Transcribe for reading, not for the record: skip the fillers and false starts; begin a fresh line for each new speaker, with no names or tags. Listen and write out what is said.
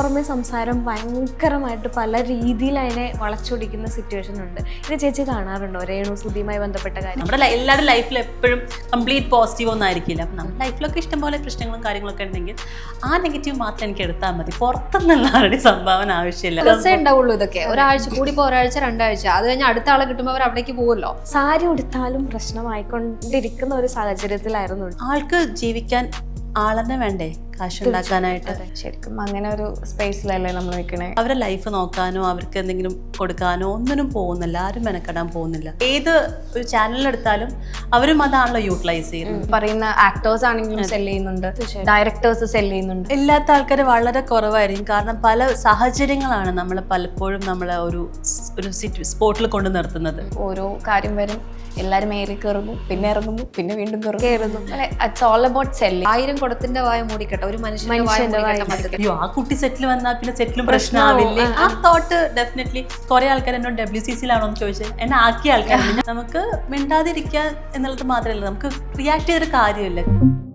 പുറമെ സംസാരം ഭയങ്കരമായിട്ട് പല രീതിയിൽ അതിനെ വളച്ചൊടിക്കുന്ന സിറ്റുവേഷൻ ഉണ്ട്. ഇത് ചേച്ചി കാണാറുണ്ടോ രേണു സുധിയുമായി ബന്ധപ്പെട്ട കാര്യം?
നമ്മുടെ എല്ലാവരുടെ ലൈഫിൽ എപ്പോഴും കംപ്ലീറ്റ് പോസിറ്റീവ് ഒന്നും ആയിരിക്കില്ല. അപ്പം നമ്മുടെ ലൈഫിലൊക്കെ ഇഷ്ടംപോലെ പ്രശ്നങ്ങളും കാര്യങ്ങളൊക്കെ ഉണ്ടെങ്കിൽ ആ നെഗറ്റീവ് മാത്രം എനിക്ക് എടുത്താൽ മതി. പുറത്തുനിന്നുള്ള ആരുടെ സംഭാവന ആവശ്യമില്ല.
ദിവസമേ ഉണ്ടാവുള്ളൂ ഇതൊക്കെ. ഒരാഴ്ച കൂടിപ്പോ ഒരാഴ്ച 2 ആഴ്ച, അത് കഴിഞ്ഞ് അടുത്ത ആളെ കിട്ടുമ്പോൾ അവർ അവിടേക്ക് പോകുമല്ലോ.
സാരി ഉടുത്താലും പ്രശ്നമായിക്കൊണ്ടിരിക്കുന്ന ഒരു സാഹചര്യത്തിലായിരുന്നു.
ആൾക്ക് ജീവിക്കാൻ ആളെന്നെ വേണ്ടേ കാശുണ്ടാക്കാനായിട്ട്?
ശരിക്കും അങ്ങനെ ഒരു സ്പേസിലല്ലേ നമ്മൾ നിൽക്കണേ.
അവരുടെ ലൈഫ് നോക്കാനോ അവർക്ക് എന്തെങ്കിലും കൊടുക്കാനോ ഒന്നിനും പോകുന്നില്ല, ആരും മെനക്കെടാൻ പോകുന്നില്ല. ഏത് ഒരു ചാനലിലെടുത്താലും അവരും അതാണല്ലോ യൂട്ടിലൈസ് ചെയ്യുന്നത്.
പറയുന്ന ആക്ടേഴ്സ് ആണെങ്കിലും സെല് ചെയ്യുന്നുണ്ട്, ഡയറക്ടേഴ്സ് സെല് ചെയ്യുന്നുണ്ട്.
ഇല്ലാത്ത ആൾക്കാർ വളരെ കുറവായിരിക്കും. കാരണം പല സാഹചര്യങ്ങളാണ് നമ്മളെ പലപ്പോഴും നമ്മളെ ഒരു സ്പോട്ടിൽ കൊണ്ട് നിർത്തുന്നത്.
ഓരോ കാര്യം വരും, എല്ലാരും ഏറി കയറുന്നു, പിന്നെ ഇറങ്ങുന്നു, പിന്നെ വീണ്ടും കയറുന്നു. It's all about selling.
1000 കുടത്തിന്റെ വായ മൂടിക്കട്ടെ, ഒരു മനുഷ്യന്റെ വായ മൂടിക്കട്ടെ.
അയ്യോ, ആ കുട്ടി സെറ്റിൽ വന്നാൽ പിന്നെ സെറ്റിലും പ്രശ്നമാവില്ലേ? ആ തോട്ട് ഡെഫിനറ്റ്ലി കുറെ ആൾക്കാർ എന്നോട് WCC-ലാണോ എന്ന് ചോദിച്ചത്. എന്നെ ആക്കിയ ആൾക്കാർ നമുക്ക് മിണ്ടാതിരിക്കുക എന്നുള്ളത് മാത്രമല്ല, നമുക്ക് റിയാക്ട് ചെയ്തൊരു കാര്യമില്ല.